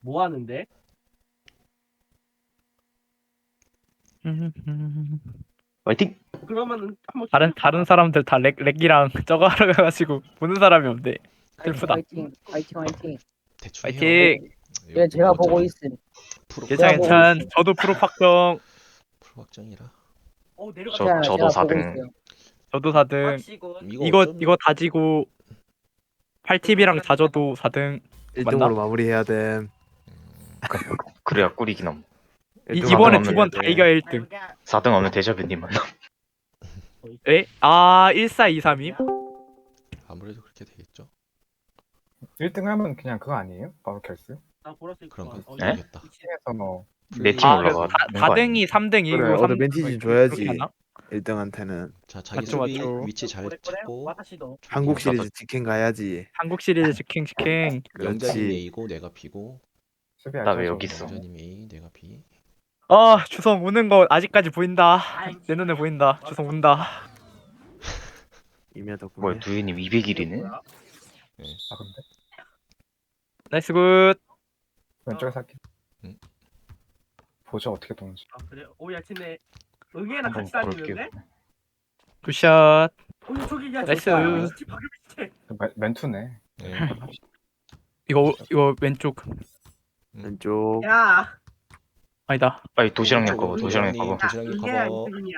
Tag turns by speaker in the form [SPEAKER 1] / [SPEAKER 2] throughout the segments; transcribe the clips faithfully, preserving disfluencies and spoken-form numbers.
[SPEAKER 1] 뭐 하는데?
[SPEAKER 2] 화이팅!
[SPEAKER 1] 그러면은 한번
[SPEAKER 3] 다른
[SPEAKER 1] 시켜봐.
[SPEAKER 3] 다른 사람들 다 렉, 렉이랑 저거 하러 가가지고 보는 사람이 없네.
[SPEAKER 4] 화이팅
[SPEAKER 3] 슬프다.
[SPEAKER 4] 화이팅 화이팅 화이팅.
[SPEAKER 5] 대충 해요.
[SPEAKER 3] 파이팅.
[SPEAKER 4] 예, 제가
[SPEAKER 5] 어차피
[SPEAKER 4] 보고 있음.
[SPEAKER 5] 프로
[SPEAKER 3] 괜찮
[SPEAKER 4] 제가 보고
[SPEAKER 3] 괜찮.
[SPEAKER 4] 있음.
[SPEAKER 3] 저도 프로 확정.
[SPEAKER 5] 프로 확정이라.
[SPEAKER 1] 어 내려가.
[SPEAKER 2] 저-
[SPEAKER 4] 제가,
[SPEAKER 2] 저도
[SPEAKER 4] 제가
[SPEAKER 2] 사
[SPEAKER 4] 보고
[SPEAKER 2] 등.
[SPEAKER 4] 있어요.
[SPEAKER 3] 저도 사 등.
[SPEAKER 1] 확시군.
[SPEAKER 5] 이거
[SPEAKER 3] 이거
[SPEAKER 5] 어쩌면
[SPEAKER 3] 이거 다지고 팔 팁이랑 다져도 사 등.
[SPEAKER 6] 일
[SPEAKER 3] 맞나?
[SPEAKER 6] 등으로 마무리해야 됨.
[SPEAKER 2] 그래야 꿀이긴 함.
[SPEAKER 3] 이,
[SPEAKER 6] 등
[SPEAKER 3] 이번에
[SPEAKER 2] 하면
[SPEAKER 3] 두 번 다
[SPEAKER 6] 해야 돼.
[SPEAKER 3] 이겨 일 등.
[SPEAKER 2] 사 등 하면 데자뷰님 만나.
[SPEAKER 3] 에? 아 일사이삼임?
[SPEAKER 5] 아무래도 그렇게 되겠죠.
[SPEAKER 7] 일 등 하면 그냥 그거 아니에요? 바로 결승?
[SPEAKER 1] 나 보라색
[SPEAKER 5] 그런가?
[SPEAKER 1] 어,
[SPEAKER 2] 네?
[SPEAKER 5] 모르겠다.
[SPEAKER 7] 팀에서 뭐
[SPEAKER 2] 내 팀
[SPEAKER 3] 아,
[SPEAKER 2] 올라가.
[SPEAKER 3] 사 등이 삼 등 이기고
[SPEAKER 6] 그래,
[SPEAKER 3] 삼
[SPEAKER 6] 어드밴티지
[SPEAKER 3] 등
[SPEAKER 6] 줘야지.
[SPEAKER 3] 그렇게 하나?
[SPEAKER 6] 일 등한테는
[SPEAKER 5] 자, 자기
[SPEAKER 3] 맞죠,
[SPEAKER 5] 수비
[SPEAKER 3] 맞죠.
[SPEAKER 5] 위치 잘 찾고
[SPEAKER 1] 와타시도.
[SPEAKER 6] 한국
[SPEAKER 2] 나도-
[SPEAKER 6] 시리즈 직행 가야지.
[SPEAKER 3] 한국 시리즈 직행 직행.
[SPEAKER 5] 영자님
[SPEAKER 6] 그렇지.
[SPEAKER 5] A고 내가 B고
[SPEAKER 7] 수비
[SPEAKER 2] 나 왜
[SPEAKER 7] 알죠,
[SPEAKER 2] 여기
[SPEAKER 7] 저거.
[SPEAKER 2] 있어?
[SPEAKER 5] 영자님 A 내가 B.
[SPEAKER 3] 아 주성 우는 거 아직까지 보인다. 내 눈에 보인다. 주성 운다.
[SPEAKER 6] 이면 덕분에.
[SPEAKER 2] 뭐야 두유님 이백 일이네?
[SPEAKER 7] 아 근데
[SPEAKER 3] 나이스 굿.
[SPEAKER 7] 왼쪽에서 할게.
[SPEAKER 5] 응.
[SPEAKER 7] 보죠 어떻게 도는지.
[SPEAKER 1] 아 그래? 오야 쟤네 응애랑
[SPEAKER 2] 한번
[SPEAKER 1] 같이
[SPEAKER 2] 볼게요.
[SPEAKER 1] 다니는데?
[SPEAKER 3] 굿샷.
[SPEAKER 1] 오야 저기 야
[SPEAKER 3] 나이스.
[SPEAKER 1] 저기 바로 밑에.
[SPEAKER 7] 그 멘- 멘투네.
[SPEAKER 5] 네.
[SPEAKER 3] 이거 이거 왼쪽
[SPEAKER 6] 왼쪽.
[SPEAKER 1] 야.
[SPEAKER 3] 아니다.
[SPEAKER 2] 빨리 도시락님
[SPEAKER 5] 오른쪽으로
[SPEAKER 2] 거고 도시락님
[SPEAKER 5] 도시락님.
[SPEAKER 2] 거고.
[SPEAKER 1] 야
[SPEAKER 5] 도시락님
[SPEAKER 1] 응애야
[SPEAKER 5] 커버.
[SPEAKER 1] 이승이야.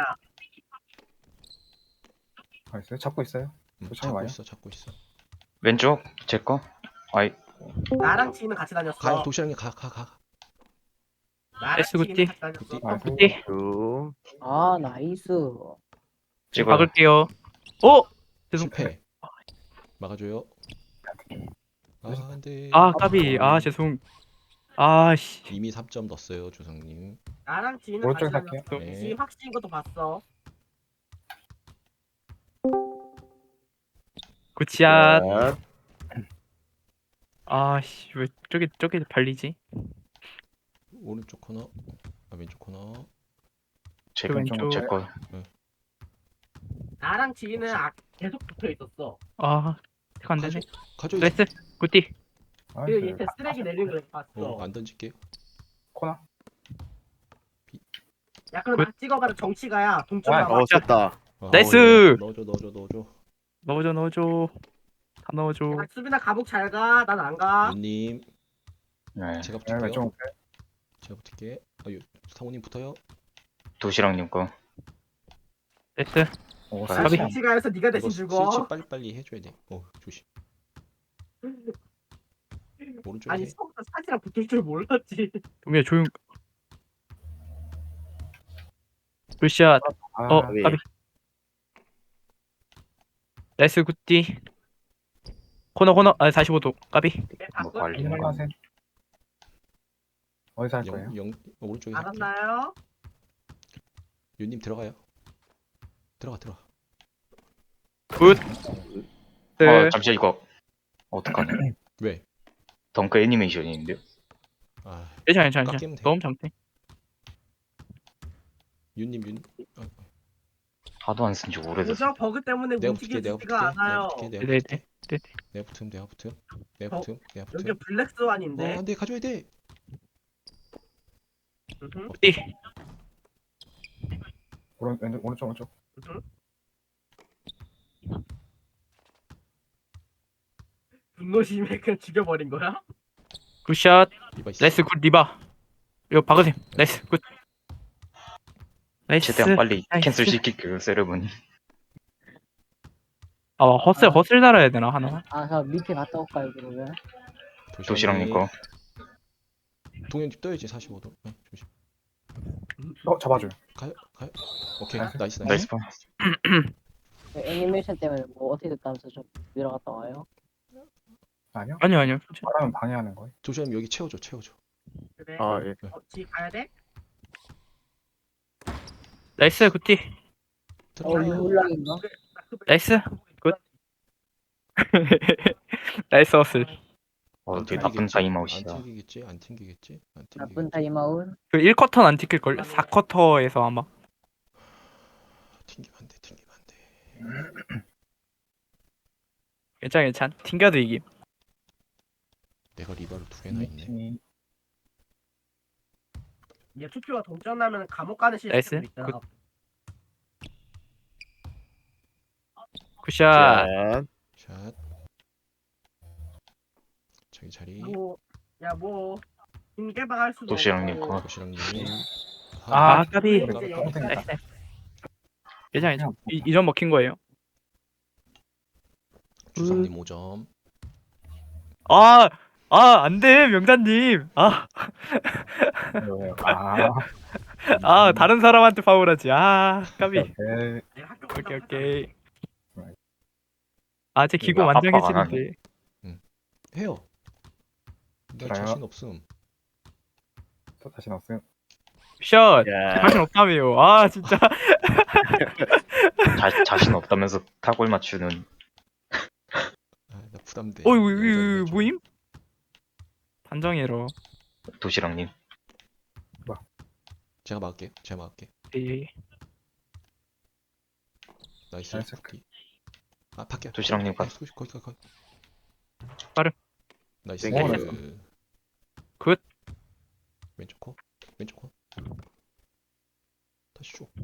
[SPEAKER 7] 알았어요? 잡고 있어요.
[SPEAKER 5] 음,
[SPEAKER 7] 도시락이
[SPEAKER 5] 잡고
[SPEAKER 7] 와요?
[SPEAKER 5] 있어, 잡고 있어.
[SPEAKER 2] 왼쪽 제 거. 아이
[SPEAKER 1] 나랑 지는 같이 다녔어.
[SPEAKER 5] 가, 도시락님 가, 가, 가.
[SPEAKER 1] 나랑
[SPEAKER 3] 에스
[SPEAKER 1] 지는
[SPEAKER 3] 굿띠.
[SPEAKER 1] 같이 다녔어.
[SPEAKER 5] 굿띠.
[SPEAKER 7] 아,
[SPEAKER 3] 굿띠.
[SPEAKER 6] 쭉.
[SPEAKER 4] 아 나이스.
[SPEAKER 2] 찍어.
[SPEAKER 3] 박을게요. 어? 죄송.
[SPEAKER 5] 실패. 막아줘요. 아, 안돼.
[SPEAKER 3] 아 까비. 아 죄송. 아씨.
[SPEAKER 5] 이미 삼 점 넣었어요, 조상님.
[SPEAKER 1] 나랑 지는 같이
[SPEAKER 7] 오른쪽에서
[SPEAKER 1] 다녔어.
[SPEAKER 7] 할게요.
[SPEAKER 5] 네.
[SPEAKER 1] 지 확신 것도 봤어.
[SPEAKER 3] 굿샷.
[SPEAKER 6] 샷.
[SPEAKER 3] 아씨 왜 저기 저기 발리지?
[SPEAKER 5] 오른쪽 코너, 아, 왼쪽 코너.
[SPEAKER 2] 제
[SPEAKER 3] 그
[SPEAKER 2] 거.
[SPEAKER 3] 왼쪽.
[SPEAKER 2] 제 거.
[SPEAKER 1] 나랑 지는 아, 계속 붙어 있었어.
[SPEAKER 3] 아 이거 안 되네.
[SPEAKER 5] 가져.
[SPEAKER 3] 나이스. 굿띠.
[SPEAKER 1] 그리고
[SPEAKER 7] 나이스.
[SPEAKER 1] 얘한테 쓰레기 내리는 걸 봤어.
[SPEAKER 5] 어, 안 던질게요.
[SPEAKER 7] 코너.
[SPEAKER 1] 야 그럼
[SPEAKER 3] 굿.
[SPEAKER 1] 나 찍어가지고 정치가야 동점
[SPEAKER 7] 아,
[SPEAKER 1] 나와.
[SPEAKER 6] 어, 쳤다.
[SPEAKER 5] 어,
[SPEAKER 3] 나이스!
[SPEAKER 5] 넣어줘, 넣어줘, 넣어줘.
[SPEAKER 3] 넣어줘 넣어줘. 다 넣어줘.
[SPEAKER 1] 야, 수빈아 가복 잘 가. 난 안 가.
[SPEAKER 5] 윤님,
[SPEAKER 2] 네.
[SPEAKER 5] 제가
[SPEAKER 7] 네,
[SPEAKER 5] 붙을게요.
[SPEAKER 7] 왼쪽.
[SPEAKER 5] 제가 붙을게. 아, 유, 상호님 붙어요.
[SPEAKER 2] 도시락님 거.
[SPEAKER 3] 나이스.
[SPEAKER 7] 오,
[SPEAKER 2] 아,
[SPEAKER 1] 나
[SPEAKER 7] 스위치.
[SPEAKER 3] 가비.
[SPEAKER 1] 정치가에서 네가 대신
[SPEAKER 5] 이거
[SPEAKER 1] 죽어.
[SPEAKER 5] 스위치 빨리빨리 해줘야 돼. 어, 조심. 오른쪽에
[SPEAKER 1] 아니
[SPEAKER 5] 해.
[SPEAKER 1] 처음부터 사진이랑 붙을 줄 몰랐지.
[SPEAKER 3] 동미야 조용. 굿샷.
[SPEAKER 7] 아,
[SPEAKER 3] 어
[SPEAKER 6] 왜?
[SPEAKER 3] 까비. 나이스 굿띠. 코너 코너. 아 사십오 도. 까비.
[SPEAKER 2] 뭐 관리는 거.
[SPEAKER 7] 안녕하세요. 어디서 할 거예요?
[SPEAKER 5] 영, 영, 오른쪽에 할게.
[SPEAKER 1] 알았나요?
[SPEAKER 5] 윤님 들어가요. 들어가, 들어가.
[SPEAKER 3] 굿. 네.
[SPEAKER 2] 아 잠시 이거 어떡하냐.
[SPEAKER 5] 왜?
[SPEAKER 2] 덩크 애니메이션인데요.
[SPEAKER 5] 아,
[SPEAKER 3] 괜찮아 괜찮아.
[SPEAKER 5] 깎이면 돼.
[SPEAKER 3] 너무 장대.
[SPEAKER 5] 윤님, 윤. 아,
[SPEAKER 2] 하도 안 쓴 지 오래됐어.
[SPEAKER 1] 오저 버그 때문에
[SPEAKER 5] 내가 붙을게, 내가 붙을게.
[SPEAKER 1] 움직여지지가
[SPEAKER 5] 내가
[SPEAKER 1] 않아요.
[SPEAKER 5] 붙을게, 내가
[SPEAKER 3] 네네.
[SPEAKER 5] 붙을게.
[SPEAKER 3] 네.
[SPEAKER 5] 내가 붙음, 내가 붙음. 내가
[SPEAKER 1] 어?
[SPEAKER 5] 붙음, 내가
[SPEAKER 1] 여기
[SPEAKER 5] 붙음.
[SPEAKER 1] 블랙스완인데.
[SPEAKER 5] 어, 안돼, 가져야 돼.
[SPEAKER 1] 음흠,
[SPEAKER 3] 굿띠.
[SPEAKER 7] 오른 왼쪽 오른쪽 오른쪽.
[SPEAKER 1] 음흠. 분노심에 그냥 죽여버린 거야?
[SPEAKER 3] 굿샷.
[SPEAKER 5] 리바 있어.
[SPEAKER 3] 나이스 굿 리바. 이거 박으세요. 나이스 굿. 나이스.
[SPEAKER 2] 최대한 빨리
[SPEAKER 3] 나이스.
[SPEAKER 2] 캔슬 시킬게요 세레머니.
[SPEAKER 3] 아 허슬 허슬 달아야 되나 하나?
[SPEAKER 4] 아 저 밑에 갔다 올까요 그러면?
[SPEAKER 2] 도시락님 거.
[SPEAKER 5] 동현집 떠야지 사십오 도. 네, 조심.
[SPEAKER 7] 어 잡아줘요.
[SPEAKER 5] 가요, 가요. 오케이,
[SPEAKER 7] 나이스.
[SPEAKER 5] 나이스, 나이스.
[SPEAKER 2] 나이스 파.
[SPEAKER 4] 그 애니메이션 때문에 뭐 어떻게 됐다면서 좀 내려갔다 와요?
[SPEAKER 7] 아니요?
[SPEAKER 3] 아니요 아니요.
[SPEAKER 7] 말하면 방해하는 거예요.
[SPEAKER 5] 조심 여기 채워줘, 채워줘.
[SPEAKER 1] 그래.
[SPEAKER 6] 아, 예.
[SPEAKER 1] 어, 지 가야 돼?
[SPEAKER 3] 나이스 굿띠.
[SPEAKER 4] 어
[SPEAKER 5] 들어가.
[SPEAKER 4] 이거 올락인가?
[SPEAKER 3] 나이스. 굿. 나이스 허슬.
[SPEAKER 2] 어
[SPEAKER 5] 안
[SPEAKER 2] 되게 나쁜
[SPEAKER 5] 튕기겠지?
[SPEAKER 2] 타임아웃이다.
[SPEAKER 5] 안 튕기겠지? 안 튕기겠지? 안
[SPEAKER 4] 나쁜
[SPEAKER 5] 튕기겠지?
[SPEAKER 4] 타임아웃.
[SPEAKER 3] 그 일 쿼터는 안 찍힐 걸. 사 쿼터에서 아마.
[SPEAKER 5] 튕기면 안 돼, 튕기면 안 돼.
[SPEAKER 3] 괜찮아 괜찮. 튕겨도 이김.
[SPEAKER 5] 내가 리바를 두 개나 있네.
[SPEAKER 7] 팀이
[SPEAKER 1] 이제 투표가 동점나면 감옥 가는
[SPEAKER 3] 나이스.
[SPEAKER 1] 시스템도 있잖아.
[SPEAKER 3] 굿. 굿샷.
[SPEAKER 6] 자,
[SPEAKER 5] 샷. 자기 자리.
[SPEAKER 1] 뭐, 야 뭐, 인개방할 수도
[SPEAKER 2] 도시락님
[SPEAKER 1] 없고.
[SPEAKER 2] 거.
[SPEAKER 5] 도시락님.
[SPEAKER 3] 아,
[SPEAKER 5] 아,
[SPEAKER 3] 까비.
[SPEAKER 1] 이제 여기까지.
[SPEAKER 3] 나이스. 괜찮아, 괜찮아. 이, 이 점 먹힌 거예요.
[SPEAKER 5] 주성님 오 점.
[SPEAKER 3] 아, 아, 안 돼, 명단님. 아,
[SPEAKER 7] 왜요? 아,
[SPEAKER 3] 아, 다른 사람한테 파울하지. 아, 까비.
[SPEAKER 7] 네.
[SPEAKER 1] 내가 학교
[SPEAKER 3] 오케이,
[SPEAKER 1] 갔다
[SPEAKER 3] 오케이. 아, 제 기고
[SPEAKER 2] 이거 압박 안
[SPEAKER 3] 만장해지는데.
[SPEAKER 5] 해요. 나
[SPEAKER 7] 그래요?
[SPEAKER 5] 자신 없음.
[SPEAKER 7] 또 다시 나왔어요.
[SPEAKER 3] 샷.
[SPEAKER 6] 야,
[SPEAKER 3] 자신 없다며요. 아, 진짜.
[SPEAKER 2] 자, 자신 없다면서 타골 맞추는
[SPEAKER 5] 아, 나 부담돼.
[SPEAKER 3] 어이,
[SPEAKER 5] 영상이
[SPEAKER 3] 이
[SPEAKER 5] 좀-
[SPEAKER 3] 뭐임? 판정해로.
[SPEAKER 2] 도시락님.
[SPEAKER 5] 제가 막을게요. 제가 막을게.
[SPEAKER 3] 예.
[SPEAKER 5] 나이스.
[SPEAKER 7] 나이스.
[SPEAKER 5] 쿠키. 아, 밖에.
[SPEAKER 2] 도시락님 가.
[SPEAKER 5] 거기 거기 거기.
[SPEAKER 3] 빠름.
[SPEAKER 5] 나이스.
[SPEAKER 6] 오,
[SPEAKER 7] 나이스.
[SPEAKER 3] 굿.
[SPEAKER 5] 왼쪽 코. 왼쪽 코. 다시 줘.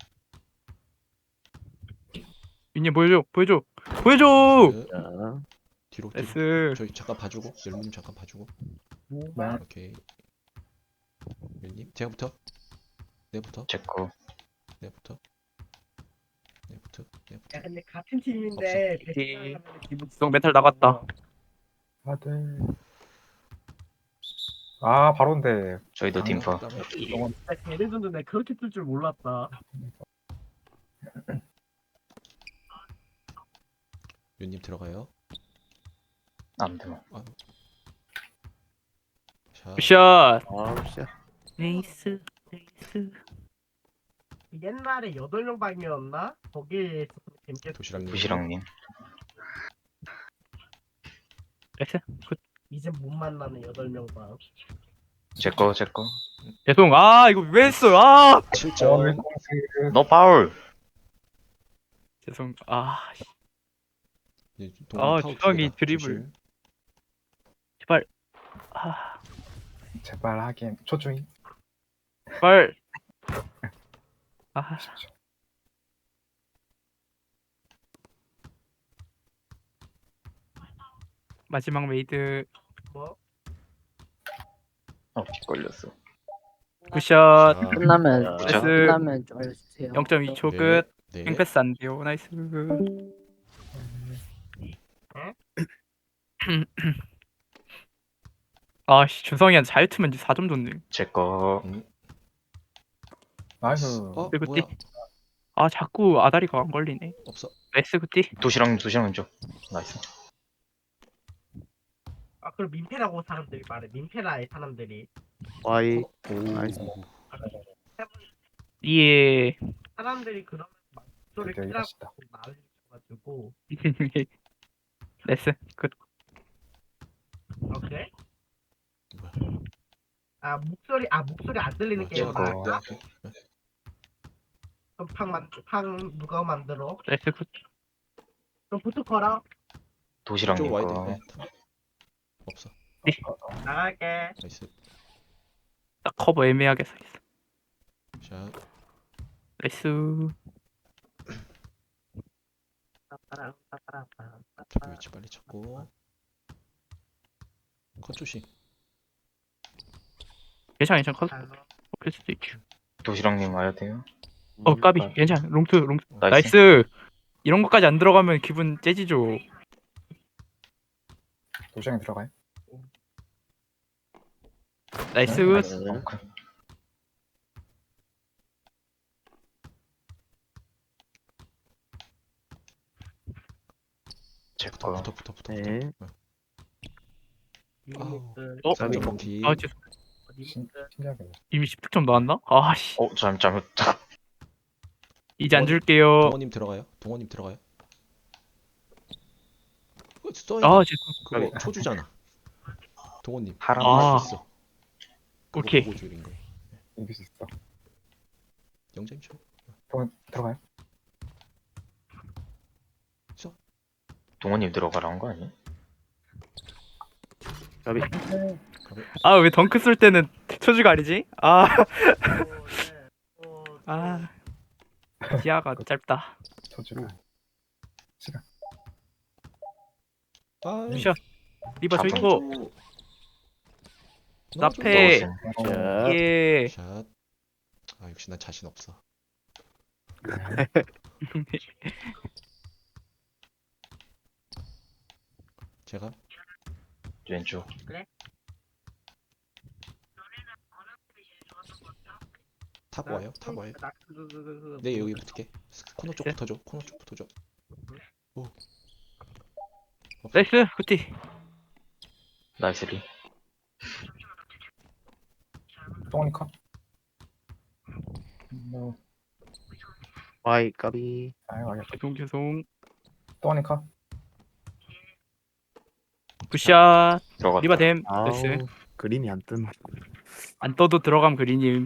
[SPEAKER 3] 윤님 보여줘, 보여줘, 보여줘.
[SPEAKER 5] 나이스.
[SPEAKER 6] 자,
[SPEAKER 5] 뒤로 뒤로.
[SPEAKER 3] 나이스.
[SPEAKER 5] 저희 잠깐 봐주고. 열무님 잠깐 봐주고.
[SPEAKER 7] 네.
[SPEAKER 5] 오케이. 열님 제가부터. 내부터.
[SPEAKER 2] 제 거.
[SPEAKER 5] 내부터. 내부터. 내부터.
[SPEAKER 1] 야 근데 같은 팀인데
[SPEAKER 3] 없어.
[SPEAKER 1] 배팅을 하면 기분
[SPEAKER 3] 송 멘탈 나갔다.
[SPEAKER 7] 아, 네. 아, 바로인데.
[SPEAKER 2] 저희도 팀파.
[SPEAKER 1] 진짜 걔네들도 내가 그렇게 뜰 줄 몰랐다.
[SPEAKER 5] 윤님 들어가요.
[SPEAKER 2] 안 돼.
[SPEAKER 5] 자.
[SPEAKER 3] 굿샷.
[SPEAKER 6] 아, 씨.
[SPEAKER 3] 네이스, 네이스.
[SPEAKER 1] 옛날에 여덟 명 방이었나? 거기에 재밌게
[SPEAKER 5] 도시락님.
[SPEAKER 2] 도시락님.
[SPEAKER 3] 나이스. 굿.
[SPEAKER 1] 이제 못 만나는 여덟 명 방.
[SPEAKER 2] 제 거, 제 거.
[SPEAKER 3] 죄송. 아, 이거 왜 했어요? 아,
[SPEAKER 5] 칠
[SPEAKER 7] 어,
[SPEAKER 5] 점.
[SPEAKER 7] 웰컴스.
[SPEAKER 2] 너 파울.
[SPEAKER 3] 죄송. 아, 씨.
[SPEAKER 5] 이제
[SPEAKER 3] 아,
[SPEAKER 5] 동원 파울
[SPEAKER 3] 주성이
[SPEAKER 5] 기회다.
[SPEAKER 3] 드리블.
[SPEAKER 5] 조심.
[SPEAKER 3] 제발. 아,
[SPEAKER 7] 제발 하긴. 초주인.
[SPEAKER 3] 제발. 아,
[SPEAKER 7] 아쉽죠.
[SPEAKER 3] 마지막 메이드.
[SPEAKER 1] 뭐?
[SPEAKER 2] 어, 빗 걸렸어.
[SPEAKER 3] 굿샷.
[SPEAKER 5] 자,
[SPEAKER 4] 끝나면
[SPEAKER 2] 나이스.
[SPEAKER 4] 끝나면 좀 알려주세요.
[SPEAKER 3] 영 점 이 초
[SPEAKER 5] 네.
[SPEAKER 3] 끝.
[SPEAKER 5] 네.
[SPEAKER 3] 횡패스 안 돼요. 나이스. 아, 씨, 주성이한테 잘 트면 이제 사 점 줬네.
[SPEAKER 2] 제 거.
[SPEAKER 5] 음.
[SPEAKER 7] 나이스.
[SPEAKER 5] 어,
[SPEAKER 3] 그리고
[SPEAKER 5] 뭐야?
[SPEAKER 3] 아, 자꾸 아다리가 안 걸리네.
[SPEAKER 5] 없어.
[SPEAKER 3] 나이스 굿띠.
[SPEAKER 2] 도시락님, 도시락님 줘. 나이스.
[SPEAKER 1] 아 그럼 민폐라고 사람들이 말해. 민폐라해 사람들이.
[SPEAKER 6] 와이.
[SPEAKER 5] 오.
[SPEAKER 6] 나이스.
[SPEAKER 3] 예.
[SPEAKER 1] 사람들이 그러면 막 소리
[SPEAKER 7] 되게
[SPEAKER 1] 키라고
[SPEAKER 7] 맛있다.
[SPEAKER 1] 난리쳐가지고.
[SPEAKER 3] 나이스. 굿.
[SPEAKER 1] 오케이.
[SPEAKER 5] 뭐야?
[SPEAKER 1] 아 목소리 아 목소리 안 들리는
[SPEAKER 5] 어,
[SPEAKER 1] 게임
[SPEAKER 5] 제가
[SPEAKER 2] 말이야?
[SPEAKER 5] 내 할게. 네.
[SPEAKER 1] 그럼 팡만 누가 만들어?
[SPEAKER 3] 나이스 굿.
[SPEAKER 1] 그럼 부터 걸어.
[SPEAKER 2] 도시락님
[SPEAKER 5] 이쪽으로 와야 돼.
[SPEAKER 2] 거.
[SPEAKER 5] 네. 없어.
[SPEAKER 1] 나갈게.
[SPEAKER 5] 나이스.
[SPEAKER 3] 딱 커버 애매하게 서 있어.
[SPEAKER 5] 자,
[SPEAKER 3] 나이스.
[SPEAKER 5] 잡기 위치 빨리 찾고. 컷 조심.
[SPEAKER 3] 괜찮아, 괜찮아. 커.
[SPEAKER 1] 잘로.
[SPEAKER 3] 클 수도 있죠.
[SPEAKER 2] 도시락님 와야 돼요.
[SPEAKER 3] 어, 까비. 괜찮아. 롱투, 롱투.
[SPEAKER 2] 나이스.
[SPEAKER 3] 나이스. 이런 것까지 안 들어가면 기분 째지죠.
[SPEAKER 7] 도시락에 들어가요?
[SPEAKER 3] 나이스 굿.
[SPEAKER 2] 덩크. 제
[SPEAKER 5] 붙어,
[SPEAKER 2] 거.
[SPEAKER 5] 붙어, 붙어, 붙어.
[SPEAKER 6] 네.
[SPEAKER 5] 붙어.
[SPEAKER 1] 유니스
[SPEAKER 3] 어?
[SPEAKER 5] 삼 점 먹기.
[SPEAKER 3] 아, 죄송.
[SPEAKER 7] 신,
[SPEAKER 1] 유니스
[SPEAKER 7] 신기하게.
[SPEAKER 3] 이미 십 득점 나왔나? 아, 씨.
[SPEAKER 2] 어, 잘못, 잘못.
[SPEAKER 3] 이제 안 줄게요.
[SPEAKER 5] 동원님 들어가요. 동원님 들어가요. 그거 써야
[SPEAKER 3] 아,
[SPEAKER 5] 돼.
[SPEAKER 3] 죄송.
[SPEAKER 5] 그거 초주잖아. 동원님.
[SPEAKER 2] 하람.
[SPEAKER 3] 아.
[SPEAKER 5] 있어. 그거
[SPEAKER 3] 오케이.
[SPEAKER 5] 보고 줄인 거.
[SPEAKER 7] 이길 수 있어.
[SPEAKER 5] 영점 초.
[SPEAKER 7] 또 들어가요?
[SPEAKER 2] 동원님 들어가라는 거 아니야?
[SPEAKER 6] 까비.
[SPEAKER 3] 아 왜 덩크 쏠 때는 초주가 아니지? 아,
[SPEAKER 1] 어, 네.
[SPEAKER 3] 아 지하가 짧다.
[SPEAKER 7] 저주가. 시간.
[SPEAKER 5] 아,
[SPEAKER 3] 샷. 리바 저 있고
[SPEAKER 5] 넣어줘.
[SPEAKER 3] 나페.
[SPEAKER 2] 넣었음.
[SPEAKER 6] 자,
[SPEAKER 3] 예.
[SPEAKER 5] 샷. 아 역시 난 자신 없어. 제가
[SPEAKER 2] 왼쪽.
[SPEAKER 5] 탑 와요. 탑 와요.
[SPEAKER 1] 나 그, 그, 그, 그,
[SPEAKER 5] 네 여기 붙을게. 코너 쪽
[SPEAKER 3] 네.
[SPEAKER 5] 붙어줘. 코너 쪽 붙어줘. 오.
[SPEAKER 3] 나이스 굿티.
[SPEAKER 2] 나이스 리.
[SPEAKER 7] 똥이 컷. 뭐,
[SPEAKER 6] 와이 까비.
[SPEAKER 7] 아유, 알겠다.
[SPEAKER 3] 죄송 죄송.
[SPEAKER 7] 똥이 컷.
[SPEAKER 3] 굿샷.
[SPEAKER 2] 들어갔다.
[SPEAKER 3] 리바 댐.
[SPEAKER 6] 아우,
[SPEAKER 3] 나이스.
[SPEAKER 6] 그림이 안 뜬.
[SPEAKER 3] 안 떠도 들어감 그리님.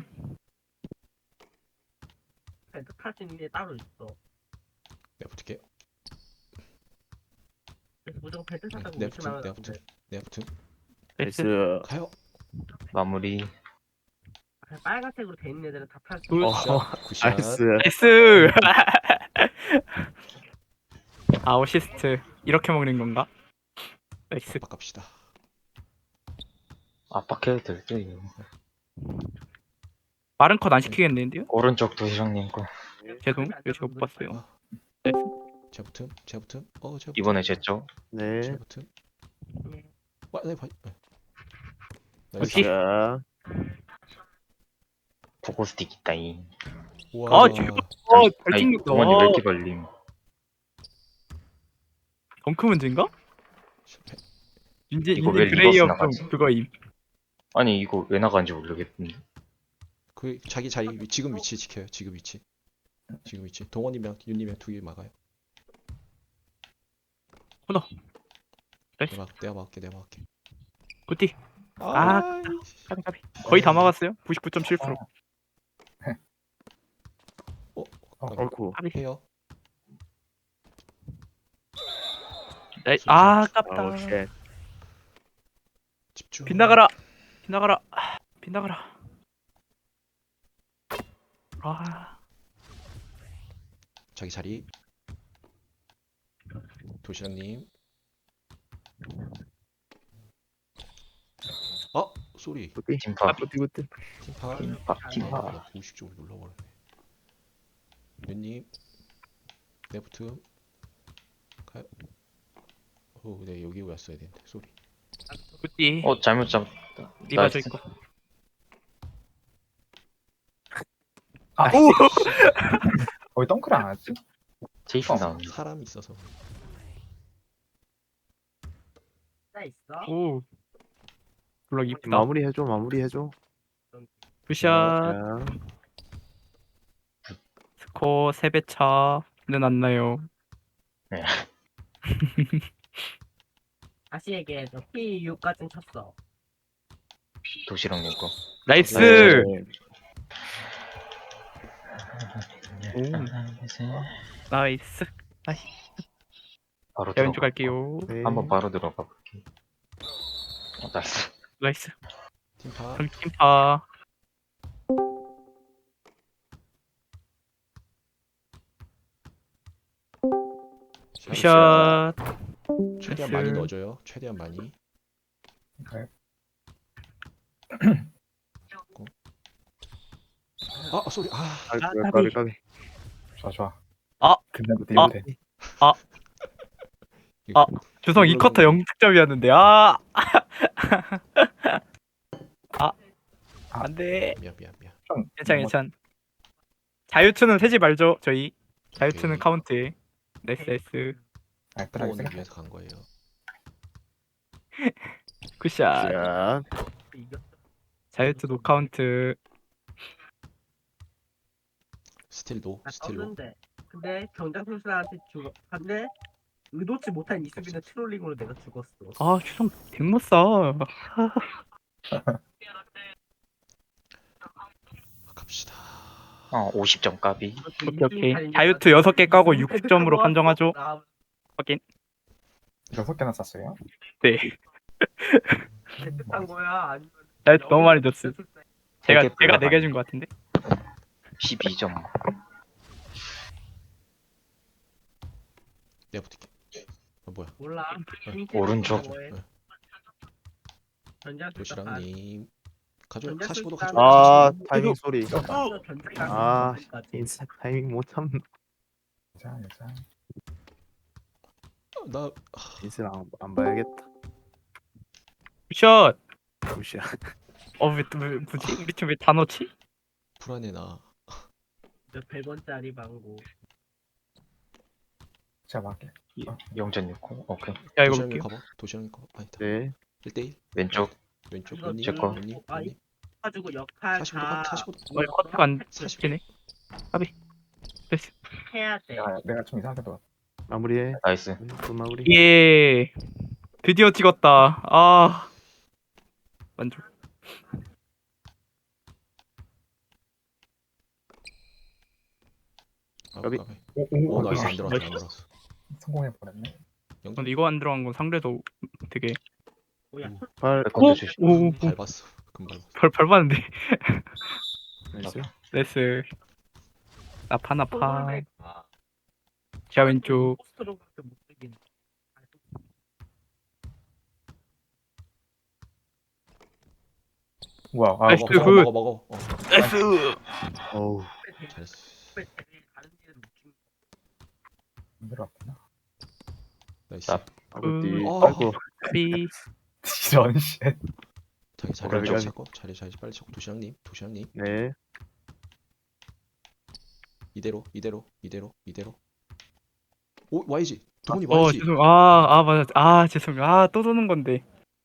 [SPEAKER 1] 벤트 탈수 있는 게 따로 있어.
[SPEAKER 5] 내가 붙을게.
[SPEAKER 1] 그래서 무조건 벤트
[SPEAKER 5] 네,
[SPEAKER 1] 타고
[SPEAKER 5] 내가 붙음.
[SPEAKER 1] 무시하면
[SPEAKER 5] 내가
[SPEAKER 1] 안
[SPEAKER 5] 붙음.
[SPEAKER 1] 돼.
[SPEAKER 5] 내가 붙음.
[SPEAKER 3] 나이스.
[SPEAKER 6] 나이스.
[SPEAKER 5] 가요.
[SPEAKER 2] 마무리.
[SPEAKER 1] 그냥 빨간색으로 돼 있는 애들은 다 탈 수
[SPEAKER 3] 굿.
[SPEAKER 1] 있어.
[SPEAKER 6] 어,
[SPEAKER 5] 굿샷.
[SPEAKER 6] 나이스.
[SPEAKER 3] 나이스. 아 어시스트 이렇게 먹는 건가? 나이스.
[SPEAKER 5] 바깝시다.
[SPEAKER 2] 압박해도 될 듯. 이거.
[SPEAKER 3] 빠른 컷 안 시키겠는데요?
[SPEAKER 2] 오른쪽 도시락님 거.
[SPEAKER 3] 죄송. 이거 제가 못 봤어요.
[SPEAKER 5] 아.
[SPEAKER 3] 나이스.
[SPEAKER 5] 제가 붙음. 제가 붙음. 어, 제가 붙음.
[SPEAKER 2] 이번에 제 쪽.
[SPEAKER 6] 네.
[SPEAKER 5] 제가 붙음. 와, 네, 봐. 네.
[SPEAKER 3] 오케이.
[SPEAKER 6] 자,
[SPEAKER 2] 포고스틱 있다잉.
[SPEAKER 5] 우와.
[SPEAKER 3] 아, 지금- 어, 잘
[SPEAKER 2] 아이,
[SPEAKER 3] 찍는다.
[SPEAKER 2] 동원이 왜 이렇게 걸림?
[SPEAKER 3] 덩크 문제인가?
[SPEAKER 5] 실패.
[SPEAKER 3] 윤재
[SPEAKER 2] 이거
[SPEAKER 3] 윤재
[SPEAKER 2] 왜
[SPEAKER 3] 그레이어
[SPEAKER 2] 리버스
[SPEAKER 3] 좀
[SPEAKER 2] 나가지?
[SPEAKER 3] 그거임.
[SPEAKER 2] 아니 이거 왜 나간지 모르겠는데.
[SPEAKER 5] 그 자기 자리 위- 지금 위치 지켜요. 지금 위치. 지금 위치. 동원이랑 윤님이랑 두 개 막아요.
[SPEAKER 3] 코너. 나이스.
[SPEAKER 5] 내가 막, 내가 막을게. 내가 막을게.
[SPEAKER 3] 굿디.
[SPEAKER 5] 아,
[SPEAKER 3] 아, 까비 까비. 거의 다 막았어요. 구십구 점 칠 퍼센트.
[SPEAKER 5] 어,
[SPEAKER 6] 옳고.
[SPEAKER 3] 까비.
[SPEAKER 5] 해요.
[SPEAKER 3] 나이. 아,
[SPEAKER 6] 아우,
[SPEAKER 3] 아깝다.
[SPEAKER 6] 쉣.
[SPEAKER 5] 집중.
[SPEAKER 3] 빗나가라. 빗나가라. 아, 빗나가라. 아,
[SPEAKER 5] 자기 자리. 도시락님. 어, 쏘리.
[SPEAKER 6] 굿디.
[SPEAKER 2] 팀파.
[SPEAKER 6] 굿디 굿디.
[SPEAKER 5] 팀파.
[SPEAKER 2] 팀파. 팀파.
[SPEAKER 5] 아, 공식적으로 눌러버렸네. 윤님. 내 붙음. 가요. 오, 네 여기 왔어야 되는데. 쏘리.
[SPEAKER 3] 굿디.
[SPEAKER 2] 어 잘못 잡.
[SPEAKER 3] 리바 저
[SPEAKER 2] 나이스.
[SPEAKER 3] 있고.
[SPEAKER 7] 아,
[SPEAKER 3] 오.
[SPEAKER 7] 거의 덩크를 안 하지?
[SPEAKER 2] 제이슨
[SPEAKER 5] 어,
[SPEAKER 2] 나온.
[SPEAKER 5] 사람이 있어서.
[SPEAKER 1] 나 있어.
[SPEAKER 3] 오. 블럭 이쁘다.
[SPEAKER 6] 마무리 해줘, 마무리 해줘.
[SPEAKER 3] 굿샷.
[SPEAKER 6] 자,
[SPEAKER 3] 스코어 세 배 차는 안 나요.
[SPEAKER 1] 다시 얘기해줘. 피 육까지는 쳤어.
[SPEAKER 2] 도시락님 거.
[SPEAKER 3] 나이스.
[SPEAKER 6] 네.
[SPEAKER 3] 오. 나이스. 나이스.
[SPEAKER 2] 바로
[SPEAKER 3] 자, 왼쪽
[SPEAKER 2] 들어가.
[SPEAKER 3] 갈게요.
[SPEAKER 6] 네.
[SPEAKER 2] 한번 바로 들어가 볼게. 어, 나이스.
[SPEAKER 3] 나이스.
[SPEAKER 5] 팀파.
[SPEAKER 3] 그럼 팀파. 굿샷.
[SPEAKER 5] 최대한
[SPEAKER 3] 나이스.
[SPEAKER 5] 많이 넣어줘요. 최대한 많이.
[SPEAKER 7] 네.
[SPEAKER 5] 아, 쏘리. 아,
[SPEAKER 6] 아,
[SPEAKER 3] 아,
[SPEAKER 6] 까비 까비.
[SPEAKER 7] 좋아, 좋아.
[SPEAKER 3] 아.
[SPEAKER 7] 근데 못해,
[SPEAKER 3] 아.
[SPEAKER 7] 못해.
[SPEAKER 5] 이거
[SPEAKER 3] 아. 주성 이 쿼터 영 득점이었는데 아. 아. 안돼.
[SPEAKER 5] 미안, 미안, 미안.
[SPEAKER 7] 좀
[SPEAKER 3] 괜찮 괜찮. 자유투는 세지 말죠 저희. 자유투는
[SPEAKER 5] 오케이.
[SPEAKER 3] 카운트. 나이스 나이스.
[SPEAKER 7] 알뜰하게
[SPEAKER 5] 동원을
[SPEAKER 7] 생각.
[SPEAKER 5] 위해서 간 거예요.
[SPEAKER 3] 굿샷.
[SPEAKER 6] 자,
[SPEAKER 1] 이겼어.
[SPEAKER 3] 자유투 노 카운트.
[SPEAKER 5] 스틸도,
[SPEAKER 1] 나
[SPEAKER 5] 스틸로.
[SPEAKER 1] 떴는데. 근데 경장 선수한테 죽어. 근데 의도치 못한 이수비는 트롤링으로 내가 죽었어.
[SPEAKER 3] 아 주성 백못 사.
[SPEAKER 5] 갑시다.
[SPEAKER 2] 어 오십 점 까비.
[SPEAKER 3] 오케이 오케이. 자유투 여섯 개 까고 육십 점으로 판정하죠. 확인.
[SPEAKER 7] 여섯 개나 쐈어요?
[SPEAKER 3] 네.
[SPEAKER 1] 대뜻한 거야? 아니면
[SPEAKER 3] 나이스 너무 많이 줬어. 제가
[SPEAKER 2] 되게
[SPEAKER 3] 제가
[SPEAKER 2] 별로
[SPEAKER 3] 네 개 준 것 같은데.
[SPEAKER 2] 십이 점.
[SPEAKER 5] 내가 붙을게. 어 뭐야?
[SPEAKER 1] 몰라.
[SPEAKER 2] 오른쪽.
[SPEAKER 5] 네.
[SPEAKER 1] 전자술사
[SPEAKER 5] 도시락님 가져.
[SPEAKER 1] 전자술사
[SPEAKER 5] 사십오 도 가져.
[SPEAKER 6] 아
[SPEAKER 5] 사십오 도.
[SPEAKER 6] 타이밍 소리.
[SPEAKER 1] 아,
[SPEAKER 6] 아 인스 타이밍 못 참.
[SPEAKER 7] 괜찮아, 괜찮아.
[SPEAKER 5] 나
[SPEAKER 6] 인스를 안, 안 봐야겠다.
[SPEAKER 3] 굿샷.
[SPEAKER 6] 잠시야.
[SPEAKER 3] 어왜 또 왜 뭐지? 우리 팀 왜 다 넣지?
[SPEAKER 5] 불안해 나.
[SPEAKER 1] 백 원짜리 방구.
[SPEAKER 7] 제가 막게.
[SPEAKER 2] 영 점 육공. 오케이.
[SPEAKER 3] 자 이거
[SPEAKER 5] 도시락님
[SPEAKER 3] 볼게요.
[SPEAKER 5] 가봐. 도시락님 가봐. 아니다.
[SPEAKER 6] 네.
[SPEAKER 5] 일 대 일.
[SPEAKER 2] 왼쪽.
[SPEAKER 5] 왼쪽
[SPEAKER 1] 이거
[SPEAKER 5] 언니.
[SPEAKER 2] 제 거.
[SPEAKER 5] 언니.
[SPEAKER 1] 아,
[SPEAKER 5] 언니.
[SPEAKER 1] 가지고 역할
[SPEAKER 5] 사십오 도
[SPEAKER 1] 다
[SPEAKER 5] 가. 사십오 도.
[SPEAKER 3] 어 커트가 안 되네. 까비. 됐어.
[SPEAKER 1] 해야 돼.
[SPEAKER 7] 내가, 내가 좀 이상하게 또
[SPEAKER 6] 마무리해.
[SPEAKER 2] 나이스.
[SPEAKER 6] 또 마무리.
[SPEAKER 3] 예. 드디어 찍었다. 아. 만족.
[SPEAKER 5] 아,
[SPEAKER 6] 까비.
[SPEAKER 5] 까비.
[SPEAKER 7] 오, 오,
[SPEAKER 5] 오
[SPEAKER 7] 오,
[SPEAKER 5] 나이스 안
[SPEAKER 7] 나이스.
[SPEAKER 5] 들어왔다 안 들어왔어.
[SPEAKER 7] 성공해버렸네.
[SPEAKER 3] 근데 이거 안 들어간 건 상대도 되게
[SPEAKER 1] 뭐야?
[SPEAKER 6] 발.
[SPEAKER 2] 백건도 주시.
[SPEAKER 3] 오, 오,
[SPEAKER 5] 밟았어. 금방 밟았어.
[SPEAKER 3] 별 별봤는데.
[SPEAKER 6] 나이스.
[SPEAKER 3] 레스. 나파 나파.
[SPEAKER 1] 아,
[SPEAKER 3] 자 왼쪽.
[SPEAKER 1] 포스터로밖에 못 되긴.
[SPEAKER 7] 우와, 아,
[SPEAKER 3] 나이스.
[SPEAKER 5] 먹어
[SPEAKER 7] 먹어.
[SPEAKER 3] 굿.
[SPEAKER 5] 먹어 먹어. 어.
[SPEAKER 3] 레스.
[SPEAKER 6] 어우.
[SPEAKER 5] 잘했어.
[SPEAKER 1] 다른 데는 못 찍는
[SPEAKER 7] 안 들어왔구나.
[SPEAKER 5] 나이스.
[SPEAKER 2] 나-
[SPEAKER 6] 아구띠.
[SPEAKER 5] 어.
[SPEAKER 6] 아이고.
[SPEAKER 3] 까비.
[SPEAKER 7] 이런 쉣.
[SPEAKER 5] 자기 자리
[SPEAKER 6] 오른쪽.
[SPEAKER 5] 빨리 찾고 자리 자리 빨리 찾고 도시락님 도시락님
[SPEAKER 6] 네.
[SPEAKER 5] 이대로 이대로 이대로 이대로. 오 와이지. 동훈이
[SPEAKER 3] 어
[SPEAKER 5] 와이지.
[SPEAKER 3] 죄송. 아아 맞아. 아 죄송해요. 아또 도는 건데.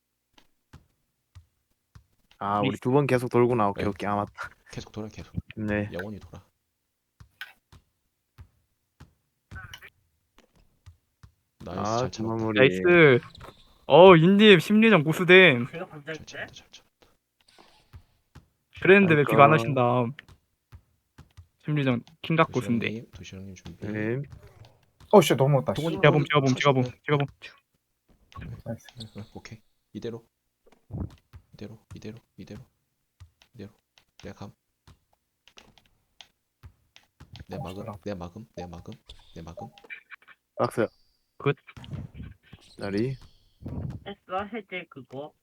[SPEAKER 6] 아 우리 두 번 계속 돌구나. 오케이
[SPEAKER 5] 네.
[SPEAKER 6] 오케이. 아 맞다.
[SPEAKER 5] 계속 돌아 계속.
[SPEAKER 6] 네.
[SPEAKER 5] 영원히 돌아. 나이스
[SPEAKER 6] 아
[SPEAKER 5] 잘 참았다.
[SPEAKER 6] 마무리.
[SPEAKER 3] 나이스. 어 인님 심리전 고수됨.
[SPEAKER 1] 제가
[SPEAKER 5] 잘
[SPEAKER 1] 반장인데?
[SPEAKER 5] 참았다 잘 참았다.
[SPEAKER 3] 그랬는데 왜 비가 안
[SPEAKER 6] 아이고.
[SPEAKER 3] 하신다. 심리전 킹각 고수인데.
[SPEAKER 5] 도시락님 도시락님 준비.
[SPEAKER 6] 네.
[SPEAKER 7] 어, 씨, 너무 왔다. 씨.
[SPEAKER 5] 동훈이
[SPEAKER 3] 제가 봄 제가 봄 제가 봄 제가 봄.
[SPEAKER 7] 나이스.
[SPEAKER 5] 응, 오케이 이대로 이대로 이대로 이대로 이대로 내가 감. 내
[SPEAKER 7] 어,
[SPEAKER 5] 막음
[SPEAKER 7] 잘한다.
[SPEAKER 5] 내 막음 내 막음 내 막음.
[SPEAKER 6] 박스.
[SPEAKER 3] 굿.
[SPEAKER 6] 자리.
[SPEAKER 1] 했어 해제 그거.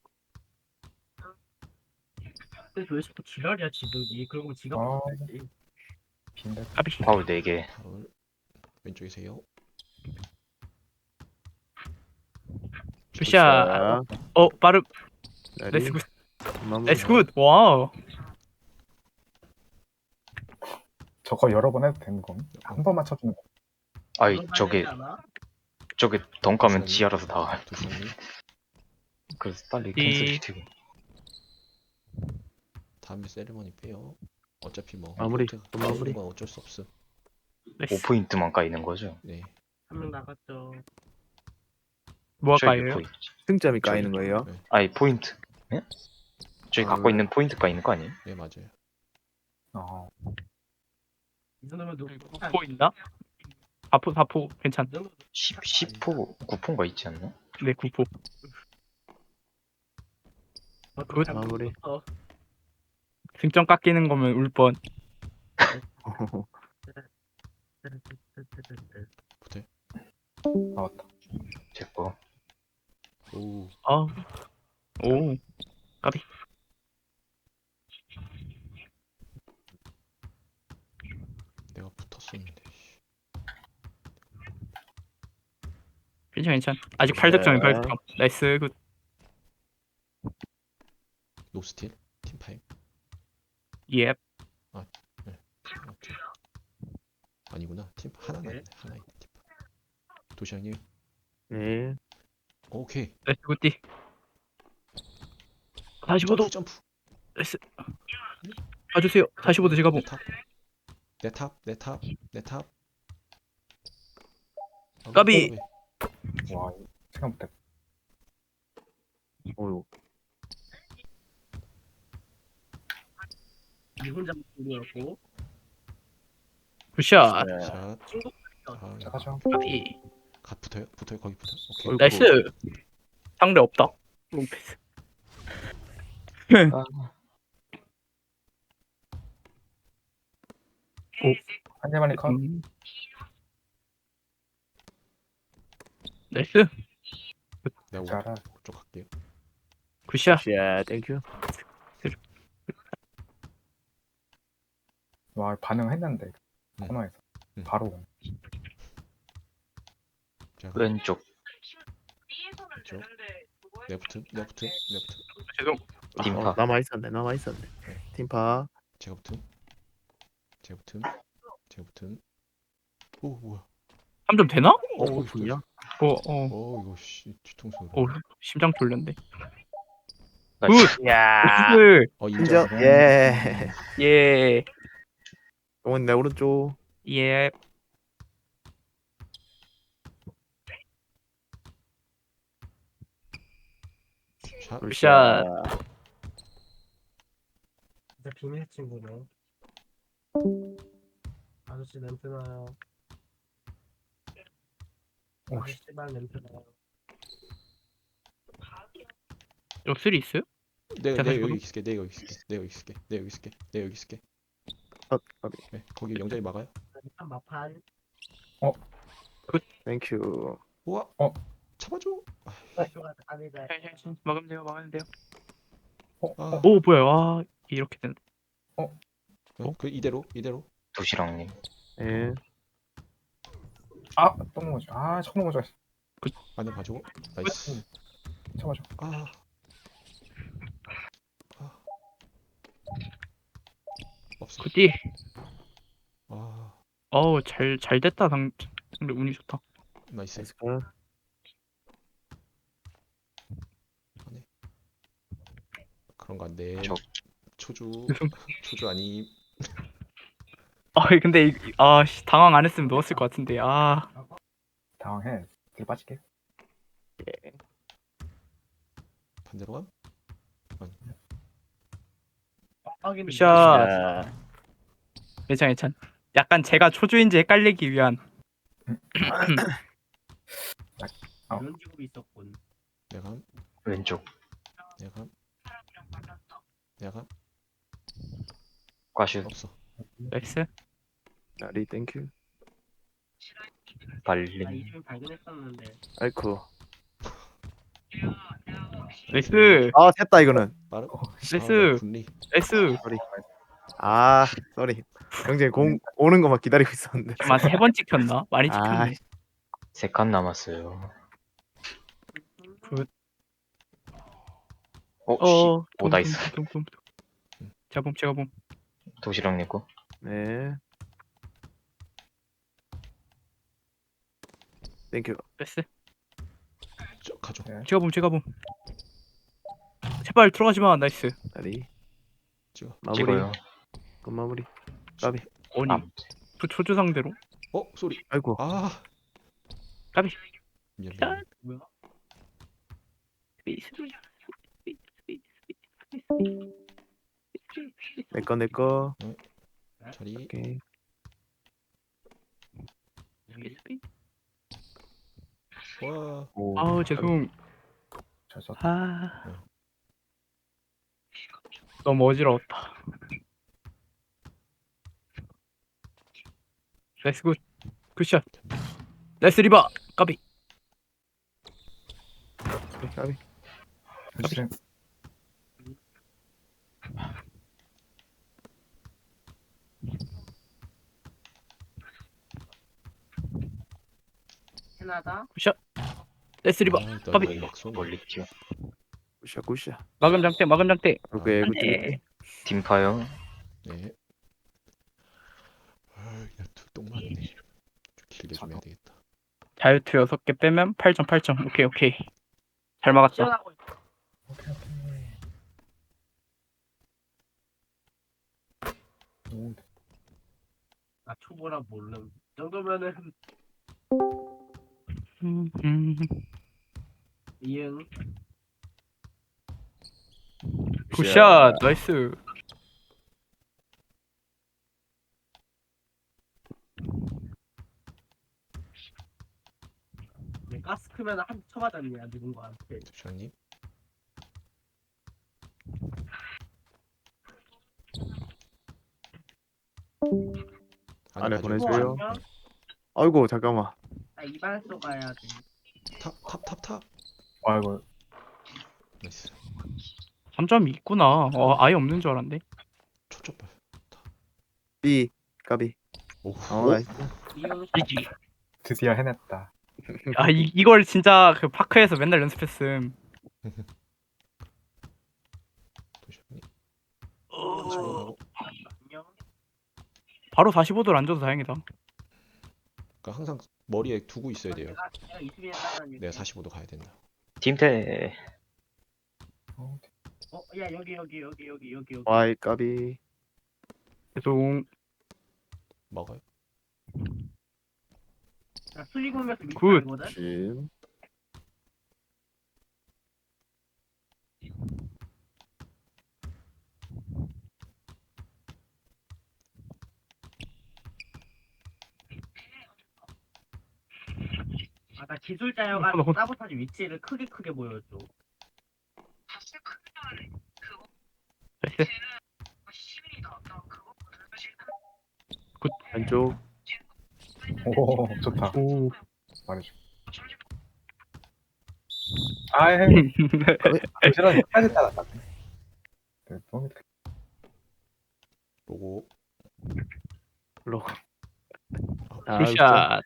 [SPEAKER 1] 근데 왜 자꾸 지랄이야 지들이? 그리고 지가
[SPEAKER 7] 아.
[SPEAKER 1] 못했지.
[SPEAKER 7] 빈대.
[SPEAKER 3] 까비.
[SPEAKER 2] 파울 네 개.
[SPEAKER 5] 파울. 왼쪽이세요.
[SPEAKER 3] 굿샷.
[SPEAKER 6] 자,
[SPEAKER 3] 어 빠르.
[SPEAKER 6] 자리.
[SPEAKER 3] 레츠 굿.
[SPEAKER 6] 마무리.
[SPEAKER 3] 레츠 굿. 와우.
[SPEAKER 7] 저거 여러 번 해도 되는 건? 한 번만 쳐주는 거.
[SPEAKER 2] 아이
[SPEAKER 1] 그런
[SPEAKER 2] 저게
[SPEAKER 1] 말이지 않아?
[SPEAKER 2] 저게 덩가면 지하라서 나와.
[SPEAKER 5] 도시락님
[SPEAKER 2] 그래서 빨리
[SPEAKER 3] 이-
[SPEAKER 2] 캔슬 시키고.
[SPEAKER 5] 다음에 세리머니 빼요. 어차피 뭐
[SPEAKER 6] 마무리.
[SPEAKER 5] 포인트
[SPEAKER 6] 또 마무리.
[SPEAKER 5] 까이는 건 어쩔 수 없음.
[SPEAKER 3] 레츠.
[SPEAKER 2] 오 포인트만 까이는 거죠.
[SPEAKER 5] 네.
[SPEAKER 1] 한 명 나갔죠.
[SPEAKER 3] 뭐
[SPEAKER 2] 저기
[SPEAKER 3] 할까요?
[SPEAKER 2] 포인트.
[SPEAKER 6] 승점이 까이는 거예요.
[SPEAKER 5] 네,
[SPEAKER 2] 아이 포인트. 예? 저기
[SPEAKER 6] 아,
[SPEAKER 2] 갖고
[SPEAKER 6] 왜?
[SPEAKER 2] 있는 포인트 까이는 거 아니에요?
[SPEAKER 5] 네 맞아요.
[SPEAKER 7] 어.
[SPEAKER 1] 이 정도면 누구?
[SPEAKER 3] 구포 있나? 사포 사포 괜찮.
[SPEAKER 1] 이 정도면
[SPEAKER 2] 십, 십 포, 구 포인가 있지 않나?
[SPEAKER 3] 네 구포.
[SPEAKER 1] 굿.
[SPEAKER 6] 마무리.
[SPEAKER 1] 어,
[SPEAKER 3] 승점 깎이는 거면 울 뻔.
[SPEAKER 5] 붙어.
[SPEAKER 7] 나왔다.
[SPEAKER 2] 제 거.
[SPEAKER 5] 오.
[SPEAKER 3] 아. 오. 까비.
[SPEAKER 5] 내가 붙었었는데. 씨.
[SPEAKER 3] 괜찮 괜찮. 아직 팔 득점이 팔
[SPEAKER 6] 네.
[SPEAKER 3] 득점. 나이스 굿.
[SPEAKER 5] 노스틸 팀 파임.
[SPEAKER 3] 예.
[SPEAKER 5] 오케이. 아니구나. 팀 하나
[SPEAKER 1] 네.
[SPEAKER 5] 남네. 하나 있네. 팀. 도시락님.
[SPEAKER 6] 네.
[SPEAKER 5] 오케이.
[SPEAKER 3] 나이스 굿디. 사십오 도.
[SPEAKER 5] 점프 점프.
[SPEAKER 3] 나이스. 봐주세요. 사십오 도 제가 봄.
[SPEAKER 5] 내 탑. 내 탑. 내 탑. 내 탑. 아,
[SPEAKER 3] 까비.
[SPEAKER 5] 왜?
[SPEAKER 7] 와, 생각 못했.
[SPEAKER 6] 어유.
[SPEAKER 1] 이 혼자 모르고
[SPEAKER 3] 굿샷.
[SPEAKER 6] 네.
[SPEAKER 5] 샷. 아,
[SPEAKER 7] 자, 가죠.
[SPEAKER 3] 까비.
[SPEAKER 5] 가 붙어요. 붙어요. 거기 붙어. 오케이.
[SPEAKER 6] 어이구.
[SPEAKER 3] 나이스. 상대 없다. 롱패스.
[SPEAKER 7] 한대만이 컷.
[SPEAKER 3] 음. 나이스.
[SPEAKER 5] 내가
[SPEAKER 7] 잘하.
[SPEAKER 5] 오쪽 갈게요.
[SPEAKER 3] 굿샷.
[SPEAKER 6] 야, 땡큐.
[SPEAKER 7] 와 반응했는데
[SPEAKER 5] 응.
[SPEAKER 7] 코너에서
[SPEAKER 5] 응.
[SPEAKER 7] 바로
[SPEAKER 5] 자,
[SPEAKER 2] 왼쪽.
[SPEAKER 5] 왼쪽. 레프트, 레프트, 레프트.
[SPEAKER 3] 죄송.
[SPEAKER 2] 팀파.
[SPEAKER 6] 어, 남아 있었네. 남아 있었네. 팀파.
[SPEAKER 5] 제가 붙음. 제가 붙음. 제가 붙음. 오 뭐야?
[SPEAKER 3] 삼 점 되나?
[SPEAKER 6] 어,
[SPEAKER 5] 오,
[SPEAKER 6] 오픈이야?
[SPEAKER 3] 어, 어,
[SPEAKER 5] 어 이거 씨 뒤통수로.
[SPEAKER 3] 어, 심장 졸렸네.
[SPEAKER 2] 나이스.
[SPEAKER 6] 야.
[SPEAKER 3] 나이스.
[SPEAKER 5] 어
[SPEAKER 6] 인정.
[SPEAKER 5] 인정.
[SPEAKER 6] 예.
[SPEAKER 3] 예,
[SPEAKER 6] 동원 내 오른쪽.
[SPEAKER 3] 예.
[SPEAKER 5] 샷.
[SPEAKER 3] 굿샷.
[SPEAKER 1] 진짜 비밀 친구네. 아저씨 냄새 나요.
[SPEAKER 7] 오,
[SPEAKER 1] 아저씨발 냄새 나요.
[SPEAKER 3] 역술이 있어요?
[SPEAKER 5] 내가
[SPEAKER 3] 자,
[SPEAKER 5] 내가
[SPEAKER 3] 다시
[SPEAKER 5] 여기
[SPEAKER 3] 보도?
[SPEAKER 5] 있을게. 내가 여기 있을게. 내가 여기 있을게. 내가 여기 있을게. 내가 여기 있을게.
[SPEAKER 6] 컷. 까비.
[SPEAKER 5] 네, 거기 영장이 막아요.
[SPEAKER 1] 일단 마판.
[SPEAKER 6] 땡큐.
[SPEAKER 5] 우와.
[SPEAKER 7] 어.
[SPEAKER 5] 잡아줘.
[SPEAKER 1] 쇼가 아니다.
[SPEAKER 3] 막으면 돼요, 막으면 돼요.
[SPEAKER 5] 아.
[SPEAKER 3] 오, 뭐야? 와, 이렇게 된.
[SPEAKER 5] 네, 그 이대로 이대로.
[SPEAKER 2] 도시락님.
[SPEAKER 6] 예.
[SPEAKER 7] 아또 넘어져. 아 처음 넘어져.
[SPEAKER 5] 안에 봐주고. 나이스.
[SPEAKER 7] 쳐봐줘.
[SPEAKER 5] 아. 아. 없어.
[SPEAKER 3] 굿디.
[SPEAKER 5] 아.
[SPEAKER 3] 어우, 잘, 잘 됐다. 상, 상대 운이 좋다.
[SPEAKER 5] 나이스.
[SPEAKER 6] 나이스 컷.
[SPEAKER 5] 그런 거 안 돼.
[SPEAKER 2] 저-
[SPEAKER 5] 초주.
[SPEAKER 3] 죄송.
[SPEAKER 5] 초주 아니.
[SPEAKER 3] 아, 근데, 이, 이- 아, 씨, 당황 안 했으면 넣었을 것 같은데. 아,
[SPEAKER 7] 당황해. 뒤로 빠질게.
[SPEAKER 5] 반대로 감?
[SPEAKER 1] 빡빡이는
[SPEAKER 3] 굿샷.
[SPEAKER 6] 야.
[SPEAKER 3] 괜찮, 괜찮. 약간 제가 초주인지 헷갈리기 위한.
[SPEAKER 1] 이런 직업이 있었군.
[SPEAKER 5] 내가 감.
[SPEAKER 2] 왼쪽.
[SPEAKER 5] 내가 감. 내가 감.
[SPEAKER 2] 과슈.
[SPEAKER 5] 없어.
[SPEAKER 3] 나이스.
[SPEAKER 6] 나리 땡큐.
[SPEAKER 1] 나
[SPEAKER 2] 발림.
[SPEAKER 1] 이름이 발견했었는데.
[SPEAKER 6] 아이쿠.
[SPEAKER 3] 나이스.
[SPEAKER 6] 아, 됐다 이거는.
[SPEAKER 5] 빠르.
[SPEAKER 3] 나이스.
[SPEAKER 5] 아, 분리.
[SPEAKER 3] 나이스.
[SPEAKER 6] 아, 쏘리. 형제 공 오는 거만 기다리고 있었는데.
[SPEAKER 3] 아마 세 번 찍혔나? 많이
[SPEAKER 6] 아,
[SPEAKER 3] 찍혔네.
[SPEAKER 2] 세 칸 남았어요.
[SPEAKER 3] 굿.
[SPEAKER 2] 어,
[SPEAKER 3] 어,
[SPEAKER 2] 씨.
[SPEAKER 3] 둠,
[SPEAKER 2] 오, 나이스.
[SPEAKER 3] 둠, 둠, 둠, 둠. 제가 봄, 제가 봄.
[SPEAKER 2] 도시락님 거.
[SPEAKER 6] 네. 땡큐.
[SPEAKER 3] 나이스.
[SPEAKER 5] 저 가져.
[SPEAKER 3] 제가 봄, 제가 봄. 제발 들어가지 마. 나이스.
[SPEAKER 6] 나리.
[SPEAKER 5] 찍어.
[SPEAKER 6] 마무리.
[SPEAKER 2] 찍어요.
[SPEAKER 6] 끝 마무리. 까비.
[SPEAKER 3] 아니,
[SPEAKER 2] 아,
[SPEAKER 3] 초, 초주 상대로.
[SPEAKER 5] 어 소리.
[SPEAKER 6] 아이고.
[SPEAKER 5] 아.
[SPEAKER 3] 까비.
[SPEAKER 5] 미안
[SPEAKER 3] 야.
[SPEAKER 5] 미안.
[SPEAKER 1] 뭐야?
[SPEAKER 6] 내꺼 내꺼.
[SPEAKER 5] 자리.
[SPEAKER 6] 오케이.
[SPEAKER 5] 와.
[SPEAKER 6] 오.
[SPEAKER 3] 아우, 죄송.
[SPEAKER 7] 잘 썼다.
[SPEAKER 3] 아. 너무 어지러웠다. 나이스 굿. 굿샷. 나이스 리바. 까비.
[SPEAKER 6] 까비.
[SPEAKER 7] 그치.
[SPEAKER 1] 캐나다.
[SPEAKER 3] 굿샷. 나이스 리바.
[SPEAKER 5] 아, 나
[SPEAKER 3] 까비.
[SPEAKER 5] 멀리 막 쏘네.
[SPEAKER 2] 멀리 튀어.
[SPEAKER 6] 굿샷 굿샷.
[SPEAKER 3] 마금 장대, 마금 장대.
[SPEAKER 6] 오케이 굿.
[SPEAKER 3] 네.
[SPEAKER 2] 팀파요.
[SPEAKER 5] 네. 아, 야투 똥 맞네. 좀 길게 좀 해야 되겠다.
[SPEAKER 3] 다이어트 여섯 개 빼면 팔 점, 팔 점. 오케이, 오케이. 잘 막았다.
[SPEAKER 1] 시원하고 있어.
[SPEAKER 7] 오케이 오케이. 오,
[SPEAKER 1] 나 초보라 모름. 이 정도면은
[SPEAKER 3] 음, 음.
[SPEAKER 1] 이응.
[SPEAKER 3] 굿샷. 나이스.
[SPEAKER 1] 얘 가스 크면 한 쳐맞았냐 누군가한테.
[SPEAKER 5] 주장님.
[SPEAKER 6] 안에
[SPEAKER 5] 가져야지.
[SPEAKER 6] 보내줘요.
[SPEAKER 1] 안녕.
[SPEAKER 6] 아이고 잠깐만.
[SPEAKER 1] 나 이발소 가야 돼.
[SPEAKER 5] 탑, 탑, 탑, 탑.
[SPEAKER 7] 아이고
[SPEAKER 5] 나이스.
[SPEAKER 3] 삼 점이 있구나. 어, 아예 없는 줄 알았는데.
[SPEAKER 5] 초점발.
[SPEAKER 6] B 까비.
[SPEAKER 5] 오.
[SPEAKER 6] 어 나이스.
[SPEAKER 1] 이용
[SPEAKER 3] 이지.
[SPEAKER 7] 드디어 해냈다.
[SPEAKER 3] 아 이, 이걸 진짜 그 파크에서 맨날 연습했음.
[SPEAKER 5] 도시님. 사십오 가고.
[SPEAKER 1] 안녕.
[SPEAKER 3] 바로 사십오 도를 안 줘도 다행이다.
[SPEAKER 5] 그러니까 항상 머리에 두고 있어야 돼요.
[SPEAKER 1] 내가 내가 이수빈에 따라다닐게.
[SPEAKER 5] 내가 사십오 도 가야 된다.
[SPEAKER 2] 팀태.
[SPEAKER 7] 어,
[SPEAKER 1] 어, 야 여기 여기 여기 여기 여기 여기.
[SPEAKER 6] Y 까비.
[SPEAKER 3] 죄송.
[SPEAKER 5] 먹어요.
[SPEAKER 1] 나 슬리공에서
[SPEAKER 3] 굿.
[SPEAKER 1] 밑이거든.
[SPEAKER 6] 진.
[SPEAKER 1] 아나 기술자여가지고
[SPEAKER 3] 어, 어.
[SPEAKER 1] 사보타지 위치를 크게 크게 보여줘.
[SPEAKER 3] 나이스.
[SPEAKER 6] 왼쪽.
[SPEAKER 7] 오 좋다.
[SPEAKER 3] 오.
[SPEAKER 7] 말해줘. 아이 부지런히 끝까지 따라갔네. 네, 너무
[SPEAKER 5] 로고.
[SPEAKER 6] 로고. 아,
[SPEAKER 3] 굿샷.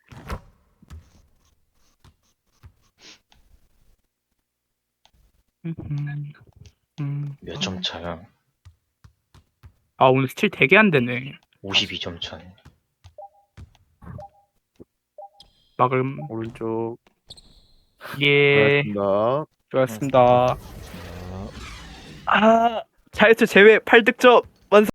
[SPEAKER 3] 음, 음.
[SPEAKER 2] 몇 점 차야?
[SPEAKER 3] 아 오늘 스틸 되게 안 되네.
[SPEAKER 2] 오십이 점 차네.
[SPEAKER 3] 막음.
[SPEAKER 6] 오른쪽.
[SPEAKER 3] 예.
[SPEAKER 6] 고맙습니다.
[SPEAKER 3] 좋았습니다.
[SPEAKER 5] 아.
[SPEAKER 3] 아 자유투 제외 팔 득점.